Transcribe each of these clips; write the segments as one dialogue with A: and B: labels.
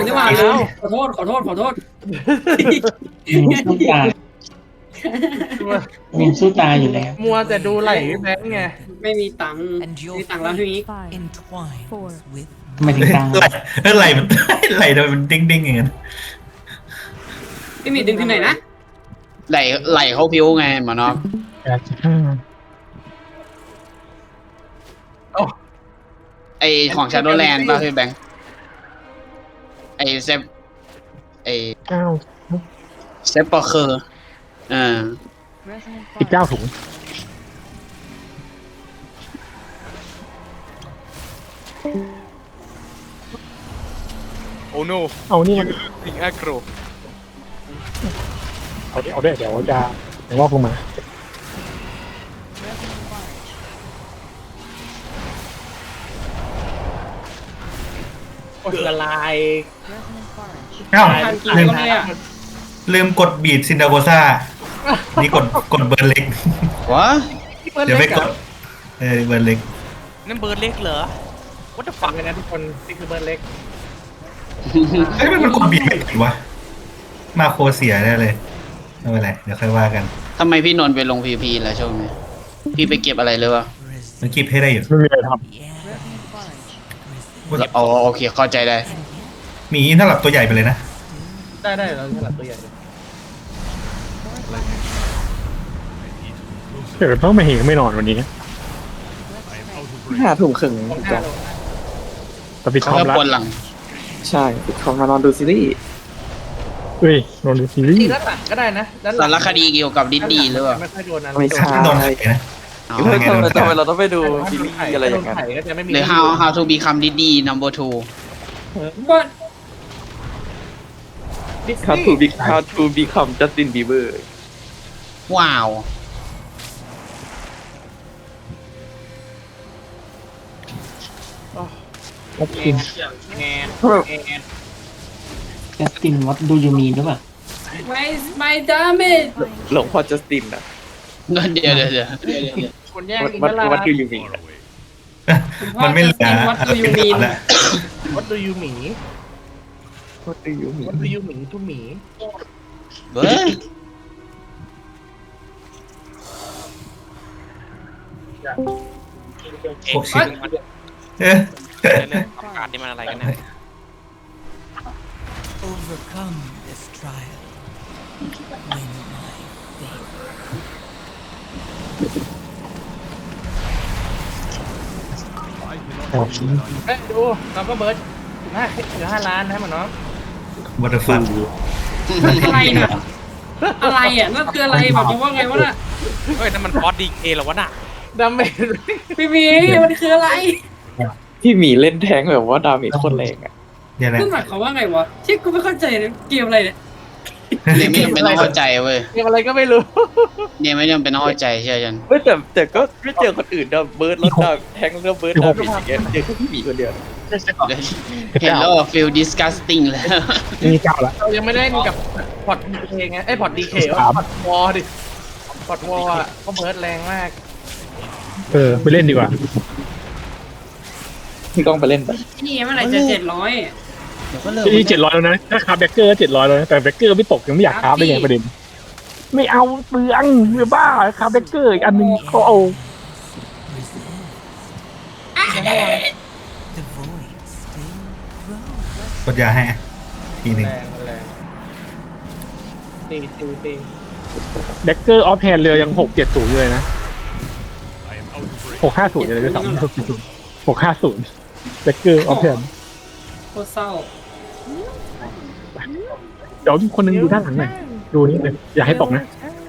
A: ดีกว่าขอโทษ
B: สู้ตายมินสู้ตายอยู่แล้ว
C: มัวแต่ดูไหลพี่แบงค์ไง
A: ไม่มีตังค์
D: And
A: มี
D: your
A: ตังค์แล้วพี่มิก
D: fate entwines with
B: ทำไมถึงตาย
E: ไหลมันไหลโดยมันดิ้งดิ้งอย่างนั้น
A: พี่มิกดึงที่ไหนนะ
F: ไหลเขาพิ้วไงหมอนอก ไอของชาโดแลนด์ป่ะพี่แบงค์ไอเซฟไอเซฟปอร์เคอร์
G: 19 ถุง
C: โอ้โน
G: เอานี่มัน
C: ลิงแอคโร
G: เอาด้วยเดี๋ยวจะเดี๋ยวงอกลงมา
C: โอ้ยละลาย
E: อ้าว
A: ทานกี่
E: ลืม
A: คนเลยอ่ะ
E: ลืมกดบีดซินดาโกซ่านี่กดเบิร์นเล็ก
F: วะ
E: เดี๋ยวไปกดเบิร์นเล็ก
C: นั่นเบิร์ดเล็กเหรอ What the fuck เลยนะทุกคนนี่คือเบิร์ดเล็ก
E: เฮ้ยมันกดบีดไม่ถึงวะมาโคเสียแน่เลยไม่เป็นไรเดี๋ยวค่อยว่ากัน
F: ทำไมพี่นนท์ไปลงพีพีแล้วช่วงนี้พี่ไปเก็บอะไรเลยวะ
E: มันคีบให้ได้อยู่
G: ไม่มีอะไรท
F: อ๋อโอเคเข้าใจได้
E: มีอินถ้าหลับตัวใหญ่ไปเลยนะ
C: ได้เราฉลาดตัวใหญ่เลย
G: ำเดี๋ยวต้องมาเห็นไม่นอนวันนี้
H: 5 ทุ่มครึ่ง
C: ของห
H: จ้ะ
C: น้าเรา
G: แต่ปิดค
F: เขา
G: อม
F: ก็
G: แล้ว
F: ปวดหลัง
H: ใช่ปิดคอมมานอนดูซีรีส์
G: เฮ้ยนอนดูซีรี
C: จริง
G: ส์
C: ด้านหลังก็ได้นะด้านห
F: สา
C: ลัง
F: รคดีเกี่ยวกับดิสนีย์หรือเปล่า
C: ไม่ค่อยโดนนะ
H: ไม่ใช่
E: โดนไถนะ
F: เอา
H: เฮ้ยทำไมเราต้องไปดูซีรีส์อะไรอย่างนั้น
C: ไข่ก็จะไม่มี
F: หรือ how to become Disney number 2
A: ว่า
H: How to become Justin Bieber
F: ว้าว
G: แอปกิน
C: แงนแงน
B: แคสตินวัดดูยูมีนหรือเปล่า
A: ไม่ดาเมจ
H: หลวงพ่อจัสตินนะ
F: เดี๋ยว
C: คนแย่งอิน
H: วัด
C: ทรา
H: วัดดูยูมีนอะ
E: มันไม่เหลือ
A: วัดดูยูมีน
E: แล้ว
C: วัดดูยูหมี
H: วัดดูยูมีน
C: วัดดูยูหมีทุหมี
F: เบ้อ
E: โอ้ชิบเอ๊ะ
C: ประกาศนี่มันอะไรกันเนี่ย
D: overcome this trial. Win my faith.
C: เฮ้ยดูน้องก็เบิร์ดเหลือ5 ล้านนะหมอน้อง
E: วัตถุฟัน
A: อะไรน่ะอะไรอ่ะนั่นคืออะไรแบบว่าไงวะน่ะ
C: เฮ้ยนั่นมันฟอสดีเคหรอวะน่ะดาเมจ
A: พี่มิกมันคืออะไร
H: พี่หมีเล่นแทงแบบว่าดาเมจโคตรแรงอ่ะ
E: เดี๋ยวนะ
A: นั่นหมายความว่าไงวะที่กูไม่เข้าใจเลยเกมอะไรเนี่ย
F: เนี่ยไม่จำเป็นต้องเข้าใจเว้ย
C: เกมอะไรก็ไม่รู้
F: เนี่ยไม่จำเป็นต้องเข้าใจเชื่อฉัน
H: เฮ้ยแต่ก็ไม่เจอคนอื่นนะเบิร์ดแล้วดาแทงแล้วเบิร์ดดาเมจอย่างเงี้ยเจอแค่พี่หมีคนเดียว
F: เห็นแล้ว feel disgusting แล้ว
G: มีเก้าแล้ว
C: เรายังไม่ได้กับพอร์ตดีเคไงไอ้พอร์ตดีเคพอร์ตวอดิพอร์ตวออ่ะก็เบิร์ดแรงมาก
G: ไปเล่นดีกว่า
H: พี่ก้องไปเล่นไป
A: นี่เมื่อไหร่จะ700
G: ที่700แล้วนะถ้าคาร์แบ็กเกอร์700แล้วนะแต่แบ็กเกอร์ไม่ตกยังไม่อยากคาร์ได้ไงประเด็นไม่เอาเปลืองไม่บ้าคาร์แบ็กเกอร์อีกอันหนึงเขาเอา
D: The void still grows.
E: กดยาให้ทีหนึ่ง
C: แรงตี
G: แบ็กเกอร์ออฟแฮนด์เรือยัง670อยู่เลยนะ650อยู่เลยด้วยซ้ำ650แบ็กเกอร์ออฟแฮนด์
A: โคตรเศร้า
G: เดี๋ยวคนหนึงดูด้านหลังหน่อยดูนี่เลยอย่าให้ตกนะ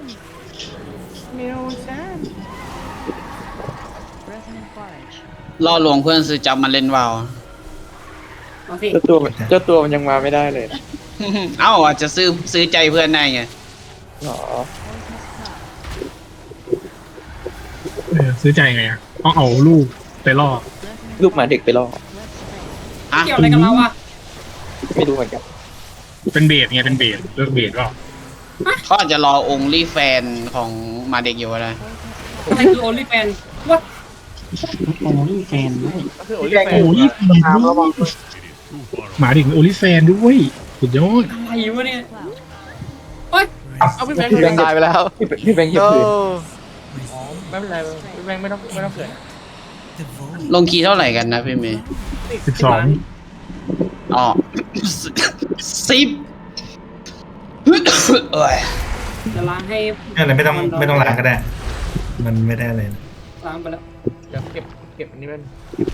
F: ล่อลวงเพื่อนซื้อจับมาเล่นวาว
A: เอาสิ
H: เจ้าตัวมันยังมาไม่ได้เลยนะ
F: เอ้าอาจจะซื้อใจเพื่อนได้ไง
H: อ๋อ
G: ซื้อใจไงอ่ะต้องเอาลูกไปล่อ
H: ลูกหมาเด็กไปล่อ
F: อ่ะ
A: เกี่ยวอะไรกับเราอ่ะ
H: ไม่รู้เหมือนกัน
G: เป็นเบสไงเป็นเบสเลือกเบสก็
F: เขาอาจจะรอองค์รีแฟนของมาเด็กอยู่ก็ได้
A: อะไรคือโอลิแฟนวัด
B: โอ้ยแฟนด้วย
C: ก็คือโอลิแฟน
G: โอ้ย
H: ตามระวัง
G: หมาถึงโอลิแฟนด้วยสุดยอด
A: อะไรวะเนี่ย
C: เอาพี่แบงค์
H: พี่แบงค์ตายไปแล้วพี่แบงค์เหยียบพื้น
C: อ๋อไม่เป็นไรพี่แบงค์ไม่ต้องเกิด
D: The void
F: ลงคีย์เท่าไหร่กันนะพี่เมย์
G: 12
F: อ๋อ 10เอ้ย
A: จะล้างให้
E: อะไรไม่ต้องล้างก็ได้ มันไม่ได้เลย
A: ล้างไปแล้ว
C: เดี๋ยวเก็บอันนี้เป็น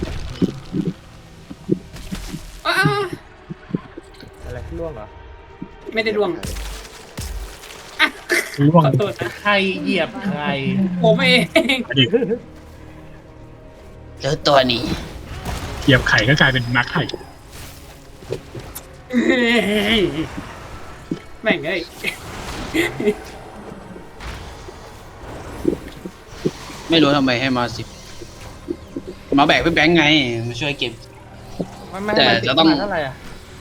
A: อ้า
C: อะไรล่วงเหรอ
A: ไม่ได้ดวง
G: ร่วง
A: ขอโทษนะ
C: ใครเหยียบใคร
A: ผมเอง
F: เจอตัวนี้
G: เหยียบไข่ก็กลายเป็นนักไข่
A: แม่งเอ้ย
F: ไม่รู้ทำไมให้มา10มาแบกพี่แบงค์ไงมาช่วยเก็บ
C: ไม่
F: แต่จะต้อง
C: เท่าไหร่อ่ะ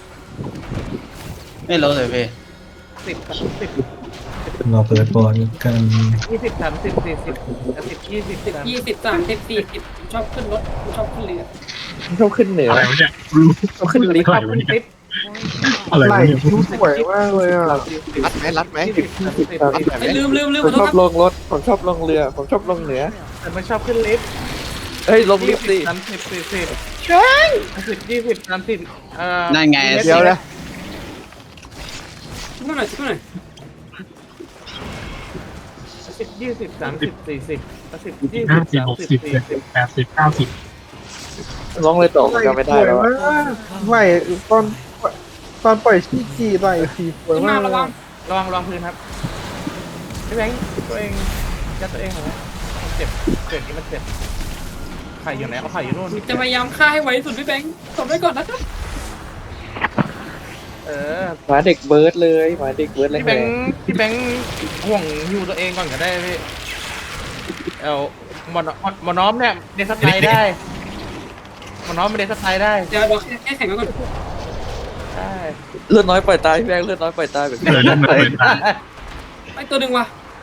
F: ไม่รู้เลยพี่
C: 10
E: เราเปิดบอลกัน
C: 20 30 40 10 20
A: 20 30 40ชอบขึ้นรถชอบขึ้นเรือ
H: ชอบขึ้นเหนือ
G: อะไรวะเนี่ยรู้
H: ชอบขึ้นลิฟต์
G: อะไรวะเนี่ยอะไรวะเนี่ย
H: สวยมากเลยอ่ะรัดไหม
A: ลืม
H: ผม
A: ขอโท
H: ช
A: ษ
H: อบ
A: ครับ
H: ลงรถผมชอบลงเรือผมชอบลงเหนือ
C: แต่ไม่ชอบขึ้นลิฟต์
H: เฮ้ยลงลิฟต์ดิ
C: 30 40 10 20 30
F: นั่นไง
H: เดี๋ยวนะ
A: ช่วยหน่อยช่วยหน่อย
C: 10 20 30 40 10 20
G: 50 60
C: 30 40
G: 70 80
H: ลงเลยต่อผมจำไม่ได้แล้ว
I: ไม่ตอนปล่อยขี้ไปทีสวย
A: ขึ้น
I: มา
A: มาก ระวัง
C: ระวังพื้นครับพี่แบงค์ตัวเองยัดตัวเองเหรอมันเจ็บเกิดนี้มันเจ็บไข่อยู่ไหนเอาไข่อยู่นู่น
A: จะพยายามฆ่าให้ไวที่สุดพี่แบงค์ตบไว้ก่อนนะครับ
H: หมาเด็กเบิร์ดเลยหมาเด็กเบิร์ดเลย
C: พี่แบงค์ห่วงอยู่ตัวเองก่อนก็ได้พี่เอาหมอน้อมเนี่ยเดสไตล์ได้หมอน้อมเป็นเดสไตล์ได้
A: เดี๋ยวแค่แข่งไว้ก่อน
C: ใช่
H: เลือดน้อยปล่อยตายพี่แบงค์เลือดน้อยปล่อยตายแบบ
G: เออนั่นมันเป็น
A: ไปตัวหนึ่งว่ะ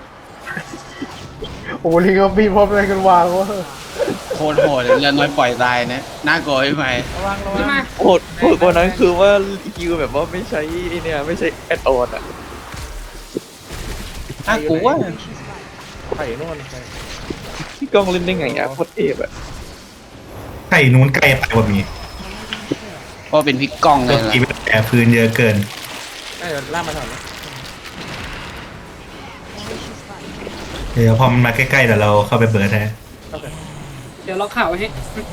I: โอ้ลิงกับบีพร้อมอะไรกันวางวะ
F: โคตรโหดเรือน้อยปล่อยตายนะน่ากลัวพี่ไหม
C: ระวัง
A: ขึ้นมา
H: โหดกว่านั้นคือว่าคิวแบบว่าไม่ใช่เนี่ยไม่ใช่แอดออนอ่ะ
F: น่ากลัว
C: ไข่นู่น
H: พี่ก้องเล่นได้ไงอ่ะโคตรเอฟอ่ะ
E: ไข่นู้นไกลไปกว่ามี
F: เพราะเป็นพี่ก้องเล
E: ตัวย
F: ล่ะ
E: กีเป็นแต่พื้นเยอะเกิน
C: เดี๋ยวล่ามาถอน
E: เดี๋ยวพอมันมาใกล้ๆเดี๋ยวเราเข้าไปเบิร์ดแท้
A: เดี๋ยวเราข่าวไว้ให้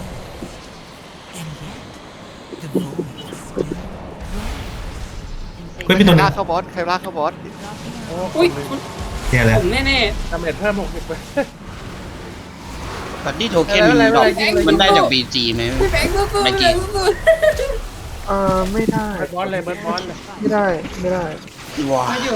D: and yet the void
E: เฮ้ยพี่ตัวนึง
H: ลากเข้าบอสใครลากเข้าบอส
A: อุ้ย
E: เนี่ยแหละ
A: ผมแน่
C: ดาเมจเพิ่ม60ไป
F: บัดดี้โทเค็นมันดอกมันได้จาก BG ไหม
A: ๆพี่แบงค์สู้ๆ
F: ไม่
A: เล
F: กี่
A: ยสู้
I: ไม่ได้
C: เบิร์ดบอลเลย
I: ไม่ได้
F: ว้า
A: ๆมาอยู่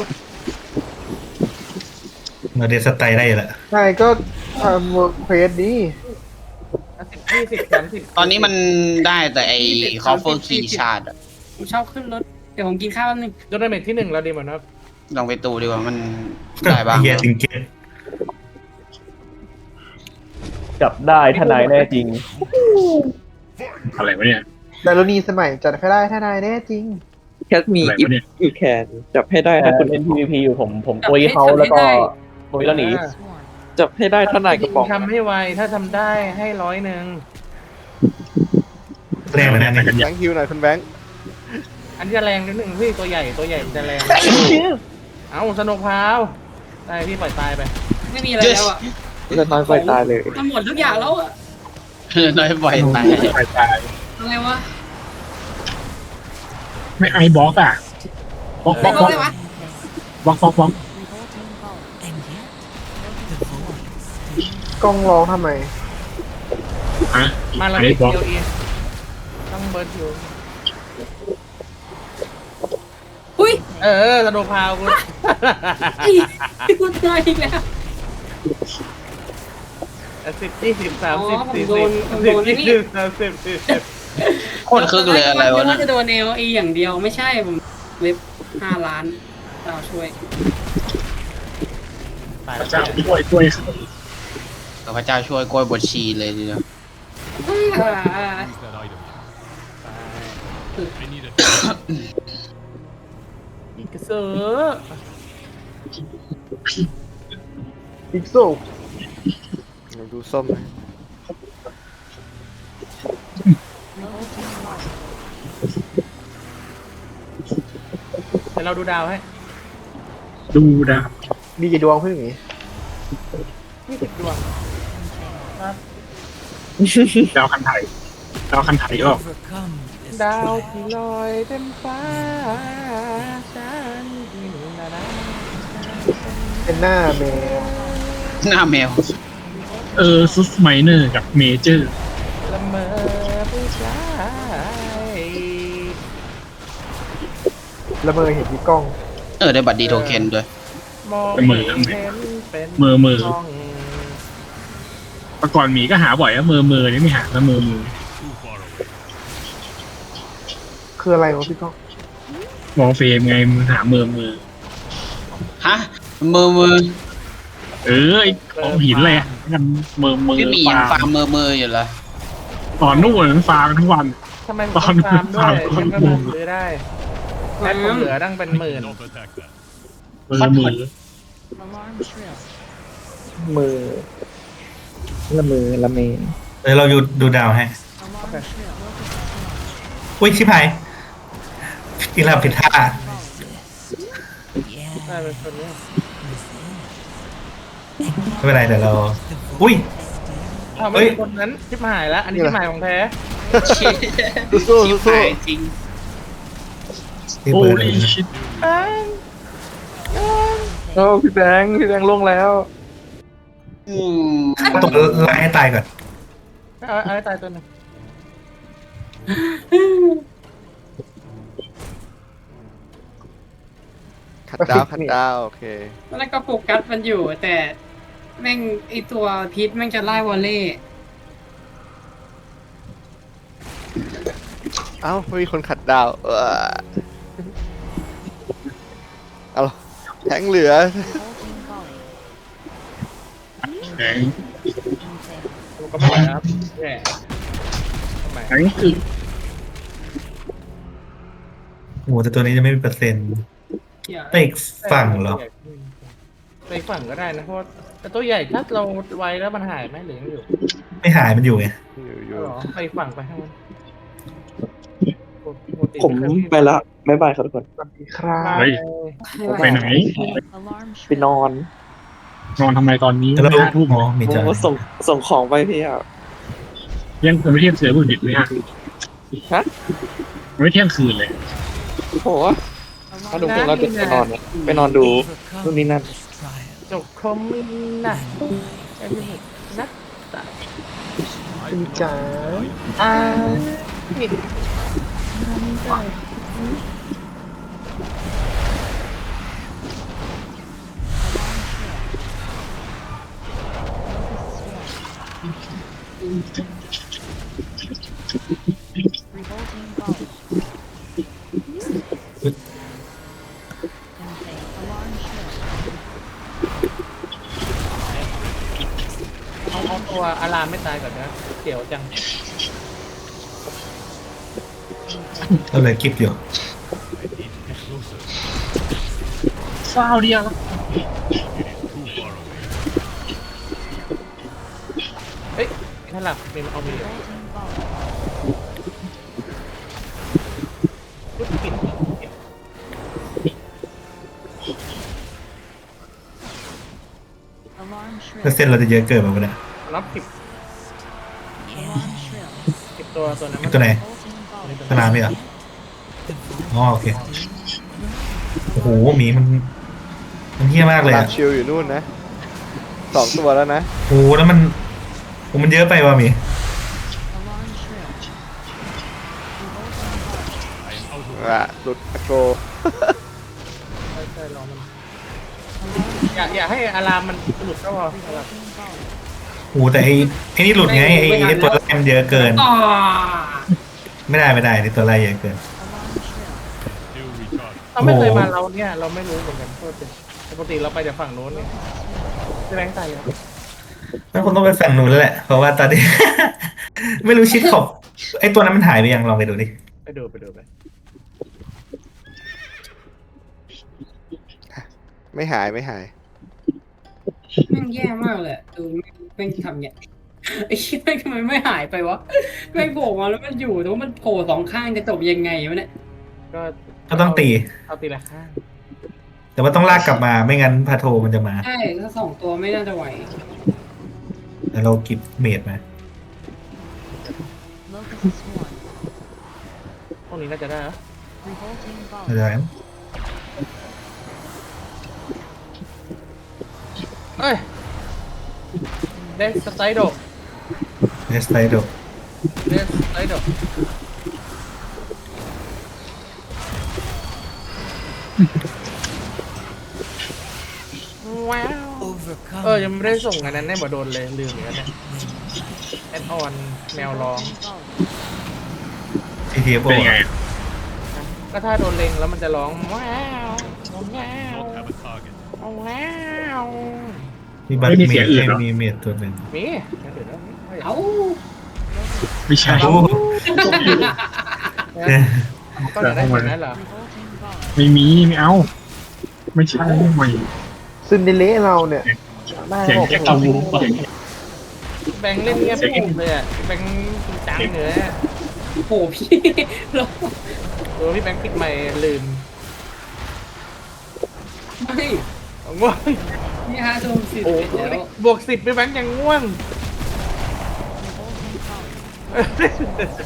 E: เราเดสไตล์ได้แหละ
I: ใช่ก็ทำเวิร์กเควสดี
C: 10 20 30
F: ตอนนี้มันได้แต่ไอ้คอฟเฟอร์คีชาร์ด
A: ผมชอบขึ้นรถเดี๋ยวผมกินข้าวแป๊บนึง
C: ดาเมจที่1เราดีเหมือนนะ
F: ลองไปตูดีกว่ามันได้บ้าง
E: เฮียติงเกต
H: จับได้ทนายแน่จริง
G: อะไรวะเนี่ย
I: แต่รณีสมัยจัดให้ได้ถ้านายแน่จริง
H: แคทมี
G: อะไร
H: อิฟ
G: วะเนี่ย
H: อีแคนจับให้ได้ถ้าคุณเล่น PVP อยู่ผมปุยเขาแล้วก็ปุยแล้วหนีจับให้ได้ทนายกระป๋อง
C: ทำให้ไวถ้าทำได้ให้100
E: แรงเหมือนกัน
G: กั
E: เนี่ย
G: น
I: แบ
G: อย่าง
I: งค์ฮิวหน่อยคุณแบงค์
C: อันจะแรงนิดนึงพี่ตัวใหญ่มันจะแรงเอาสนุกพาวได้พี่ปล่อยตายไป
A: ไม่มีอะไรแล้วอ่ะ
H: เลือดน้อยปล่อยตายเลย
A: มันหมดทุกอย่างแล้วอ่ะ
F: น้อยปล่อยตาย
G: ตายตาย
A: อะไรวะ
G: ไม่ไอบล็อกอ่ะบล็อกบล็อกบล็อก
A: อะไรวะ
G: บล็อกบล็อกบล็อก
D: and yet the void still
I: กล้องร้องทำไม
G: อ่ะ
C: มาแล้ว
G: ไอ้
C: ติด
G: บล็อก
C: เดียวอีต้องเบิร์ดอยู่
A: อุ้ย
C: สนุกพาวคุณ
A: ไอ้คุณตายอีกแล้ว
C: 10 20 30
A: ผมโดน
C: 40 20
F: โคตรคึกเลยอะไรวะ
A: น่า
F: นะ
A: จะโดน LE อย่างเดียวไม่ใช่ผมเว็บ5 ล้านเราช่วย
G: พระเจ้าช่วย
F: พระเจ้าช่วยกล้วยบดชีเลยทีเดียว
C: อีกเซอร์
I: อีกโซ่
J: ดูส้มนะ
C: เดี๋ยวเราดูดาวให้
G: ดูดาว
I: มีกี่ดวงเพื่อนอย่างงี้
C: 20 ดวง
G: ดาวคันไถดาวคันไถก็
D: Overcome this
C: ดาว
D: trial.
C: ที่ลอยเต็มฟ้าฉันที่หนูนานา
I: เป็นหน้าแมว
F: หน้าแมว
G: ซุสไมเนอร์กับเมเจอร์
C: ละเมอผู้ชาย
I: ละเมอเห็นที่กล้อง
F: ได้บัตรดีโทเค็นด้วย
C: มอง
G: ละเมอ
C: เห็นเป็น
G: เมอเมอ
C: กล้อง
G: เมื่อก่อนหมีก็หาบ่อยอะเมอนี่ไม่หาแล้วเมอ
I: คืออะไรวะพี่กล้อง
G: มองเฟรมไงมึงหาเมอ
F: ฮะมือ
G: ไอ้ของหินอะไรอะกันเมอ
F: พี่หมียังฟาร์มมืออยู่เหรอ
G: ตอนนู่นฟาร์มกันทั้งวัน
C: ทำไมผมต้องฟาร์มด้วย
G: ตอน
C: ฉันก็
G: ฟาร์ม
C: ซื้อได้แค่ผมเหลือตั้งเป็นหมื่น
G: เมอ
D: Alarm shrill.
H: มือละมือละเมน
E: เดี๋ยวเราดูดาวให้
D: Alarm shrill.
E: อุ้ยชิบหายอีลาผิดท่า
D: Yeah.
C: ได้เป็นคนนี้
E: ไม่เป็นไรเดี๋ยวเรา อุ้ย
C: อ้าวไม่เป็นคนนั้นชิบหายแล้ว อันนี้ชิบหายของแท้
J: สู้
F: ชิบ
J: สู้
F: หายจริง
E: ที่
G: โอ้
E: เปิดเลย
G: ยชิด
H: โอ้พี่แบงค์ล่วงแล้ว
E: ต้องไล่ให้ตายก่อน
C: เอาให้ตายตัวหนึง
J: ขัดดาวโอเค
A: แล้วก็โฟกัสมันอยู่ แต่แม่งไอตัวพีทแม่งจะไล่วอลเล่
J: เอ้าไม่มีคนขัดดาวเอาแทงเหลือ
D: Revolting volley.
G: แข็ง
C: ผมก็ไม่ไหวครับแย่ทำไม
G: แข็งคือ
E: โอ้โหแต่ตัวนี้จะไม่มีเปอร์เซ็นต์ไปอีกฝั่งเหรอ
C: ไปอีกฝั่งก็ได้นะเพราะว่าแต่ตัวใหญ่ถ้าเราไวแล้วมันหายไหมหรือยังอยู่
E: ไม่หายมันอยู่ไง
J: อยู่
C: หรอไปอีกฝั่งไปให้มัน
H: ผมไปละบ๊ายบายครับทุกคน
I: สวัสดีครับ
G: เฮ้ยไปไหน
D: Alarm
H: ไป
D: shrill.
H: นอน
G: นอนทำไมตอนนี้
E: แล้ว
G: 5 ทุ่ม
E: อ๋อมี
H: ผ
E: จอ
H: มก็ส่งของไปพี่อ่ะ
G: ยังไม่เที่ยงเสือบุญดิบเลยฮะ
H: ฮะ
G: ไม่เที่ยงคืนเลย
H: โหเอาดูพวกเราเด็กไปนอนดู นู่นนี่นั่น
D: This trial.
C: จบคอมมินนะไอ้นี่นักตะ
I: คุณจ๋า
C: นี่
D: Revolting volley. Insane. Alarm shrill.
C: เอาตัวอารามไม่ตายก่อนนะเดี๋ยวจัง
E: เราเลยกิฟอยู่
G: เศร้าเดียว
C: เฮ้ยถ้าหลับมีเอามี
D: Revolting volley.
C: ยุบปิด
D: Alarm
E: เปอร์
D: shrill.
E: เซ็นต์เราจะเยอะเกินไปหมดเลย
C: รับ10
D: Alarm shrill.
C: ตัวนั้นมัน
E: ตัวไหน
D: Revolting volley.
E: สนามไหมเหรออ๋อโอเคโอ้โหหมีมันเฮี้ยมากเลย
J: ลา
E: อะ
J: ชิลอยู่นู่นนะ2 ตัวแล้วนะ
E: โอ้โหแล้วมันเยอะไปว่ะหมี
D: Alarm shrill. Revolting volley.
J: หลุดอโก
C: ใช่รอมันอย่าให้อารามมันหลุดก็พอ
D: Revolting volley.
E: โอ้โหแต่ไอ้นี่หลุดไงไอ้ตัวไล่มันเยอะเกิน
A: ต่อ
E: ไม่ได้ไอ้ตัวไล่เยอะเกิน
D: Alarm shrill.
C: เราไม่เคยมาเราเนี่ยเราไม่รู้เหมือนกันโทษทีปกติเราไปจากฝั่งโน้นเนี่ยจะแบงค์ตายแล้ว
E: นั่นคงต้องไปฝั่งนู้นแล้วแหละ เพราะว่าตอนนี้ ไม่รู้ชิดขอบไอ้ตัวนั้นมันหายไปยังลองไปดูดิ
C: ไปดูไป
J: ไม่หาย
A: แม่งแย่มากเลยดูแม่งทำเนี่ยไอ้เหี้ยแม่งทำไมไม่หายไปวะแม่งโผล่มาแล้วมันอยู่แต่ว่ามันโผล่สองข้างจะจบยังไงวะเนี่ย
E: ก็ต้องตี
C: เอาตีละข้าง
E: แต่ว่าต้องลากกลับมาไม่งั้นพาโทมันจะมา
A: ใช่ถ้าสองตัวไม่น่าจะไหว
E: แล้วเรากิบเมดมา
D: Locust swarm.
C: พวกนี้น่าจะได้นะ
D: Revolting
E: เข้าใจ
D: volley.
E: ไหม
C: เอ้ยเดสไตโด
E: เนสไตโด
C: เดสไตโดว้าวยังไม่ได้ส่งอันนั้นให้บอโดนเลยลืมเหมือนกันเนี่ยแอดออนแมวร้อง
E: ทีทีโอ
G: เป็นยังไง
C: ก็ถ้าโดนเล็งแล้วมันจะร้องว้าวว้าว
D: Have a target.
C: ว้าว
E: มีบัต
G: ไม่มี
E: เม
G: เสีย
E: ด
G: งอื่นเหรอ
E: มีเมดตัวหนึ่ง
C: มีอย่างอื่นแล้ว
A: เอ้า
G: ไม่ใช่
E: โอ้
C: ต้องอยากได้แบบนั้นเหรอ
D: Revolting volley.
G: ไม่เอา ไม่ใช่ไม่
I: ซินเดอเรลล่าเราเนี่ยได้
G: เสียง
I: บอก
G: แค่ตัวเสียง
C: แบงค์เล่นเงียบปุ๊บเลยอ่ะแบงค์จริงจังเลยอะ
A: โหพี่เรา
C: พี่แบงค์ปิดไมค์ลืม
A: ไม่
C: ง่วง
A: นี่ฮะโดนสิ
C: โอ้
A: เสร็จแล้ว
C: บวก10พี่แบงค์ยังง่วง
D: Revolting volley.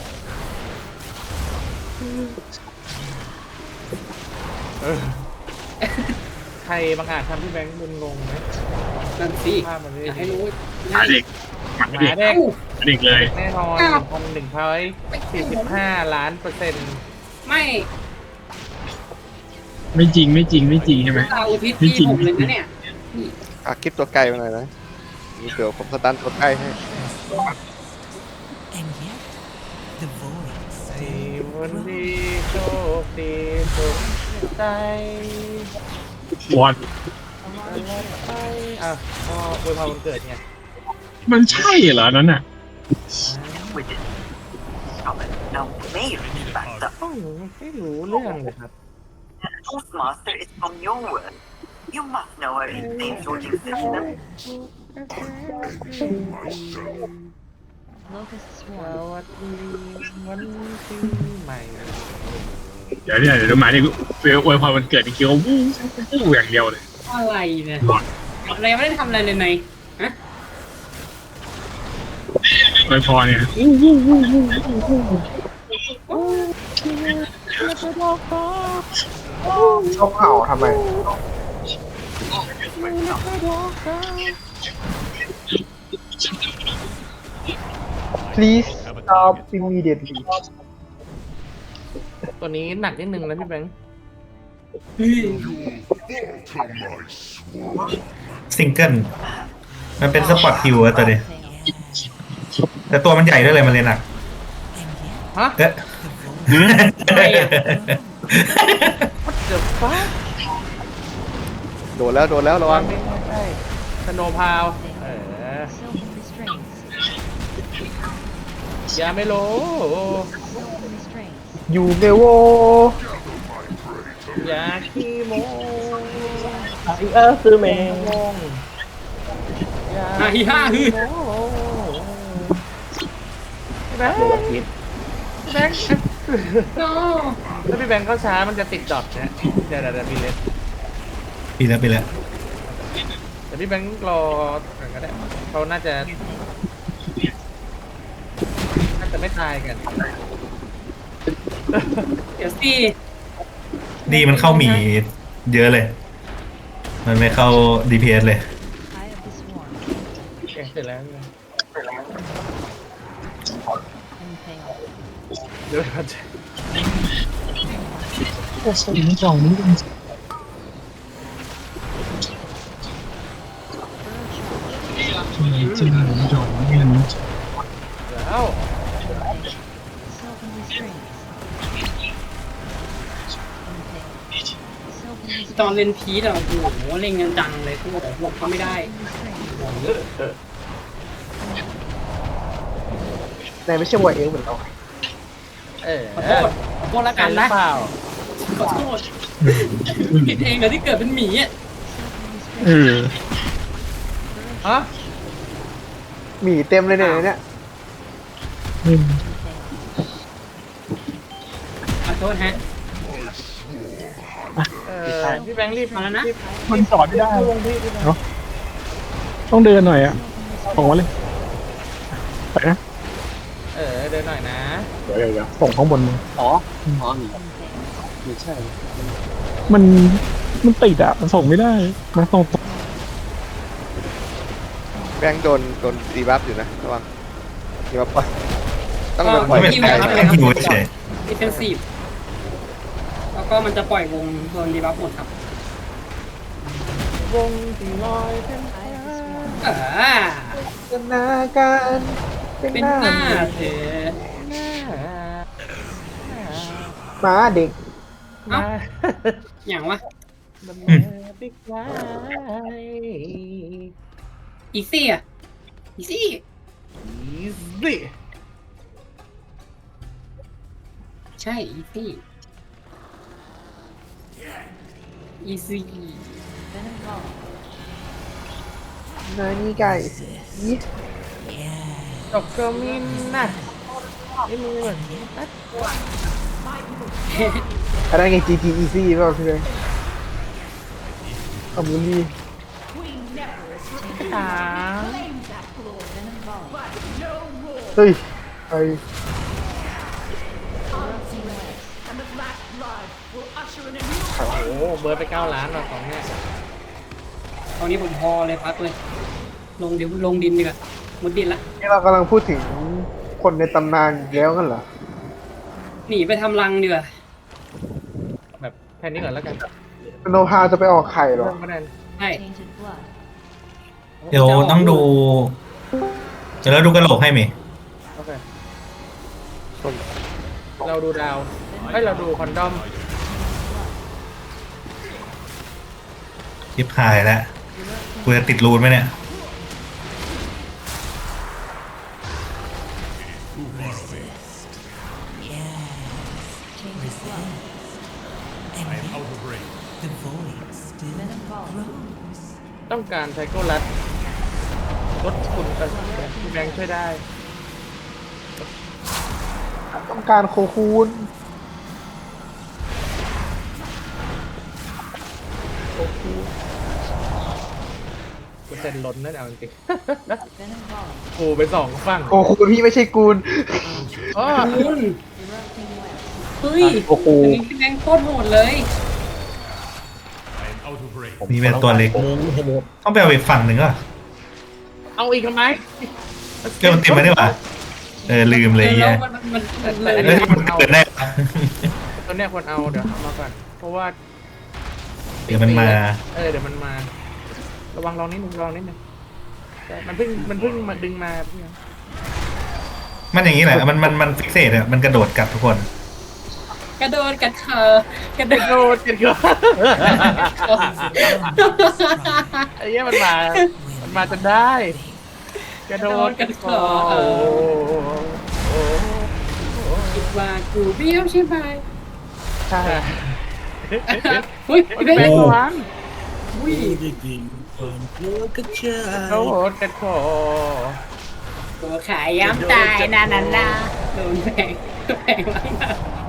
C: ใครบางอาจทำพี่แบงค์มึนงงไหม
A: นั่นสิ
C: ภาพมันไม่
A: อยากให้รู้
G: หมาเด็กหมา
C: หมา
G: เด็ก
C: เด็ก
G: เด็กเลย
C: แน่นอน1,145 ล้านเปอร์เซ็นต์
A: ไม่
G: ไม่จริงใช่ไหม
A: ตาอุทิศที่ผมเลยนะเนี่ย
J: คลิปตัวไกลมาหน่อยนะเดี๋ยวผมสตันตัวใกล้ให้
C: ไอ้วันดีโชคดีสุขใจ
G: บอล
C: ไปอ่ะก็อวยพรวันเกิดไง
G: มันใช่เหรอนั้นน่ะ
C: ไม่รู้เรื่องเลยครับ
K: Toastmaster is from your word. You must know our name-sorting system.
D: Locust
C: ส
D: swarm.
C: วัสดีวันปีใหม่
G: เดี๋ยวหมาเด็กเฟลอวยพรวันเกิดนี่คิดว่าวู้อย่างเดียวเลย
A: อะไรเนี่ยอะไรไม่ได้ทำอะไรเลยไงฮะ
G: อวยพรเนี่ย
I: ชอบเห่าทำไม please stop immediately
C: ตัวนี้หนักนิดนึงนะพี่แบงค์
E: ซิงเกิลมันเป็นสปอร์ตฮิวอะตัวนี้ แต่ตัวมันใหญ่ด้วยเลยมันเลยหนัก
C: ฮะ
E: เอ๊ะ
C: What the fuck
J: โดนแล้วระวัง
C: ไม่ใช่สโนว์พาว
D: Silken restraints.
C: อย่าไม่โล
D: Silken restraints.
I: อยู่เมโว
C: อย่าขี้โม
H: ซื้อเมง
C: งงอย่า
A: ฮ่าฮิฮ่าฮือ
C: โมแบงค์แบงค์
A: โน้
C: ถ้าพี่แบงค์เข้าช้ามันจะติดดอทนะเดี๋ยวพี่เล็ก
E: ปีแล้ว
C: แต่พี่แบงค์รอก็ได้เขาน่าจะไม่ตายกัน
A: เดี๋ยวสิ
E: ดีมันเข้าหมีเยอะเลย มันไม่เข้า DPS เลย
D: Eye of the swarm.
C: โอเคเสร็จแล้ว
D: Impale.
C: เดี๋ยวเราจะ แล้ว
D: Silken restraints. Impale. Silken
A: ตอน
D: restraints.
A: เล่นพีทอะโอ้โหเล่นกันจังเลยคือแต่พวกเขาไม่ได้
D: Restraints.
I: นายไม่ใช่วัยเอลเหมือนเรา
C: เออ
A: ขอโทษโทษละกัน
C: หรื
A: นะ
C: อเปล่า
A: ขอโทษผิดเองนะที่เกิดเป็นหมีอ่ะ
G: เออ
C: ฮะ
I: หมีเต็มเลยเนี่ย
A: ขอโทษฮะ
C: พี่แบงค์รีบ
A: มาแล้วนะ
G: มันสอนไม่ได้เนาะต้องเดินหน่อยอ่ะส่งมาเลยไปนะ
C: เดินหน่อยนะ
G: เดี๋ยวส่งข้างบนมึง
H: อ๋อไม่ใช่
G: มันติดอ่ะมันส่งไม่ได้นะส่ง
J: แบงค์โดนดีบัฟอยู่นะระวังดีบัฟปะต้องโดนปล่
E: ไม่
J: อย
E: เป็น
J: ไป
E: ไรแค่ดูเฉย
A: ดิเฟนซีฟแล้วก็มันจะปล่อยวงโดนดีบัฟหมดครับ
C: วงที่ลอยเป็น
I: จินตนาการเป็น
A: เป็น
I: หน้า
A: หน้าเธอ
I: หมาเด็ก
A: เอ้าอย่างวะ
C: บิ๊กไล
A: อีซี่อ่ะอีซี่
C: อีซี่
A: ใช่อีซี่อีซี่
D: Venom Ball.
I: นายนี่ไก่ยี่
C: ดอกเกอร์มินน่ะนี่มือเหมือน
I: อะไรไง GG Easy เปล่าพี่เลยขอบคุณดี
C: ถาม
D: Venom Ball.
I: เฮ้ยไป
D: Erupting West.
C: โอ้โหเบิร์ดไป9 ล้านหรอของเนี่ย
A: ตอนนี้ผมพอเลยพักเลย ลงดินดีกว่ามุดดินละ
I: นี่เรากำลังพูดถึงคนในตำนานอีกแล้วกันเหรอ
A: หนีไปทำรังดีกว่า
C: แบบแค่นี้ก่อนแล้วกัน
I: โนพาจะไปออกไข่เหรอ
C: เริ่มคะแนน
A: ใช่
D: Tainted blood.
E: ๆเดี๋ยวต้องดูเดี๋ยวเราดูกระโหลกให้มี
C: โอเคเราดูดาวเราดูคอนดอม
E: ยิบหายแล้วกูจะติดรูนไหมเนี่ย
D: Tainted blood. Venom Ball.
C: ต้องการไซโคลัสลดคุณพี่แบงค์ช่วยได้
I: ต้องการโคคูน
C: กูเซ็นล้นนั่นเอาจริง
D: Venom Ball.
C: ๆกูไป2 ฝั่ง
I: โคคูนพี่ไม่ใช่กูน
C: อ๋อ
A: คุณ
D: Erupting West.
A: เฮ้ย
H: โอ้โห
A: อันนี้พี่แบงค์โคตรโหดเลย
E: มีเป็นตัวเล็กต้องไปเอาอีกฝั่งหนึ่งอ่ะ
C: เอาอีกทำไม
E: เกมมันติดมาได้ปะลืมเลย
A: แล้
E: เหี้
A: วย มันเลย
E: เฮ้ยมันเกิดได้ปะ
C: ตัวเนี้ยควรเอาเดี๋ยวเอามาก่อนเพราะว่า
E: เดี๋ยวมันมา
C: เดี๋ยวมันมา ระวังลองนิดนึงแต่มันเพิ่งมาดึงมาพี่
E: มันอย่างนี้แหละมันฟิกเซตอ่ะมันกระโดดกัดทุกคน
A: กระโดดกัดเธอกระโด
C: โด
A: ด
C: ดกันก่อนไอ้เนี้ยมันมาจนได้กระโดดกันก่อน
A: คิดว่ากูเบี้ยวใช่ไหม
C: ใช่
A: เฮ้ยพี่แบง
C: แบง
A: ค์
C: ค์ล้าง
A: อุ้ย
C: โดดกันก่อน
A: ตัวขายย้ำตายนาโดนแบงล้าง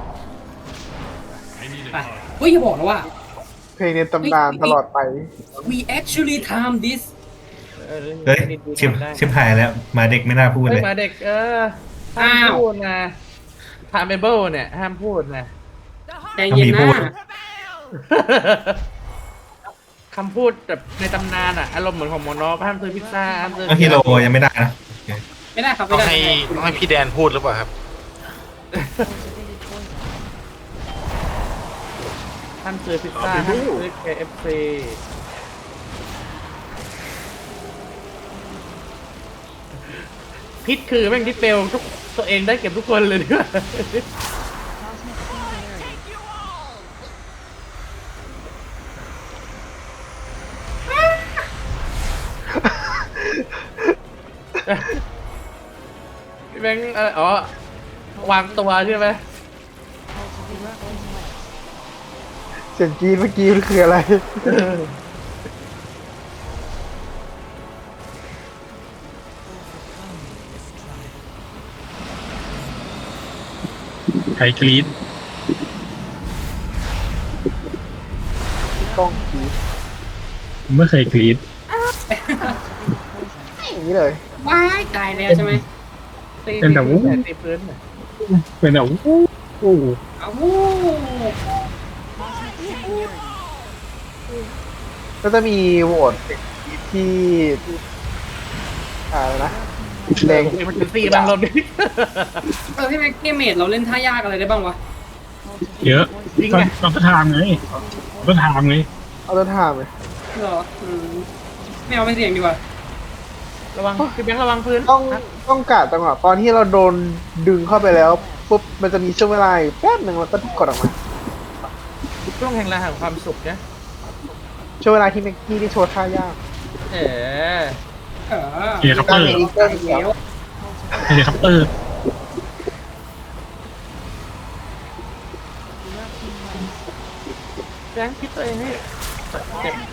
A: ไปเฮ้ยอย่าบอกนะว่า
I: เพลงในตำนานตลอดไป
A: we actually time this
E: เฮ้ยชิบหายแล้วมาเด็กไม่น่าพูดเลย
C: มาเด็กห้ามพูดนะทามเบิลเนี่ยห้ามพูดนะ
A: ใจเย็น
E: มีพู
A: นะ
E: ด
C: คำพูดแบบในตำนานอารมณ์เหมือนของโมโนห้ามซื้อพิซซ่าห้ามซื้อ
E: เอาฮีโร่ยังไม่ได้นะ
A: ไม่ได้ครับ
L: ต้
A: ไม่
L: อง
A: ได้
L: ให้พี่แดนพูดหรือเปล่าครับ
D: Cultivated poison.
C: ห้ามซื้อพิซซ่าห้ามซื้อ KFC พิษคือแม่งที่เปลวทุกตัวเองได้เก็บทุกคนเลยด้วย
D: Cosmic singularity.
C: พี่แบงค์วางตัวใช่ไหม
D: Cultivated
I: เสียงกรีดเมื่อกี้มันคืออะไร
G: ใครกรี๊ด
I: กล้องกรีด
G: ผมไม่เคยกรี๊ด
I: อย่างนี้เลย
A: ว้ายตายแล้วใช่ไหม
G: เป็นแต่วู้
C: ตีพื้นน่ะ
G: เป็นแต่วู้
A: เอาวู้
I: ก็จะมีโหวตที่อะไรนะแรง
C: มันจะตีมันลมดิ
A: พี่แม็กเกมเมดเราเล่นท่ายากอะไรได้บ้างวะ
G: เยอะ
C: จริงไง
G: ต้องทำไงต้องทำไง
I: เอาตัวทามเลย
A: เหรอไม่เอาไม่เสี่ยงดีกว่า
C: ระวังพี่แบงค์ระวังพื้น
I: ต้องกะจังหวะตอนที่เราโดนดึงเข้าไปแล้วปุ๊บมันจะมีช่วงเวลาอยู่แป๊บหนึ่งแล้วก็กดออกมา
C: ช่วงแห่งเวลาแห่งความสุขนะ
I: ช่วงเวลาที่แม็กกี้ได้โชว์ท่ายาก
C: เออ
G: เฮลิคอปเตอร์
I: อีเกิลเดียว
G: เฮลิคอปเตอร์
C: แบงค์คิดตัวเองให้เจ็บ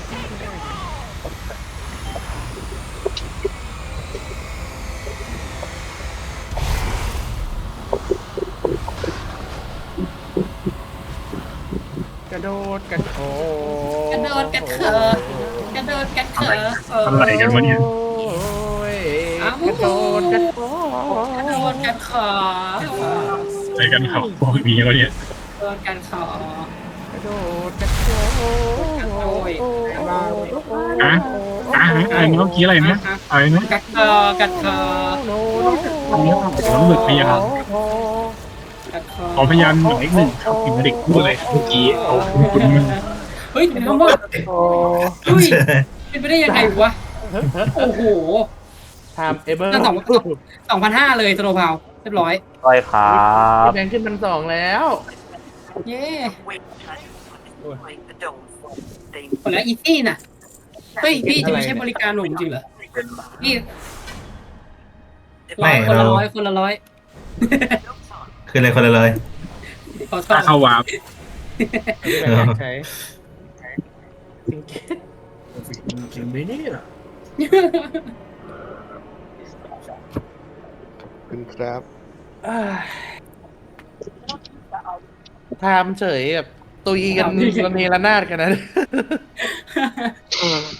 C: กระโดดกระโดด
A: กระโดดกระเถอกระโดดกระเถอ
G: อะไรกันวะเนี่ย
C: โอ้ยกระโดดกระโด
A: กระโดดกระเถอ
G: อะไรกันเขาบอกมีเขาเนี่ย
A: กระโดดกระเถอก
C: ระโดดกระโดด
G: อ่ะอะไรเมื่อกี้อะไรนะอะไรนะ
A: กระเถอกระเถอ
G: อันนี้ผมหมึกพยาน
A: กระเถอ
G: ขอพยานหน่อยหนึ่งครับถึงเด็กพูดเลยเมื่อกี้เอาคุณมึง
A: เฮ้ยทำว่า
I: โอ้
A: เฮ้ยเป็นไปได้ยังไงวะโอ้โห
C: ทำเอเบอร์
A: นั่น2,500เลยสโนว์พาวเรียบร้อย
H: ร้อยครับ
C: แบงค์ขึ้น1,200แล้ว
A: เย้
K: Wait time to deploy the dome. They
A: หมดแล้วอีซี่น่ะเฮ้ยพี่จะไม่ใช่บริการหนุ่มจริงเหรอพี่
E: ไม่
A: คนละ
E: เรา
A: ร้อยคนละร้อย
E: คือเลยคนละเลย
A: ขอโท
G: ถ้า
A: ษ
G: เข้าวาร์ป
C: แบงค์ใช้จริงไหมเนี่ย
J: คุณครับ
C: ทำเฉยแบบตุยกันระเนระนาดกันนะ